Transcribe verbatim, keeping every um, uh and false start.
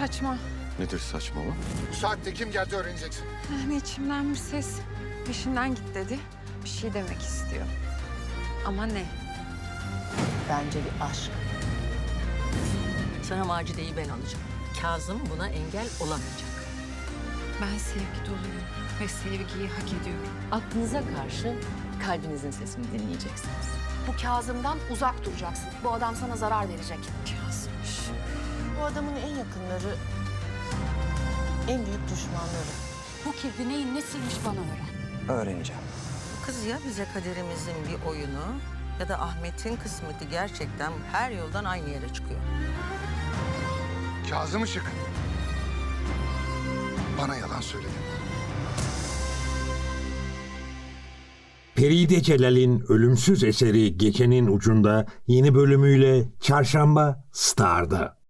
saçma. Nedir saçmalama? Bu saatte kim geldi öğreneceksin. Yani içimden bir ses peşinden git dedi. Bir şey demek istiyor. Ama ne? Bence bir aşk. Sana Macide'yi ben alacağım. Kazım buna engel olamayacak. Ben sevgi doluyum ve sevgiyi hak ediyorum. Aklınıza karşı kalbinizin sesini dinleyeceksiniz. Bu Kazım'dan uzak duracaksın. Bu adam sana zarar verecek. Kazmış. Bu adamın en yakınları, en büyük düşmanları. Bu kirpi neyin nesiymiş bana öğren. Öğreneceğim. Kız ya bize kaderimizin bir oyunu ya da Ahmet'in kısmeti gerçekten her yoldan aynı yere çıkıyor. Kazım Işık. Bana yalan söyledin. Peride Celal'in ölümsüz eseri Gecenin Ucunda yeni bölümüyle Çarşamba Star'da.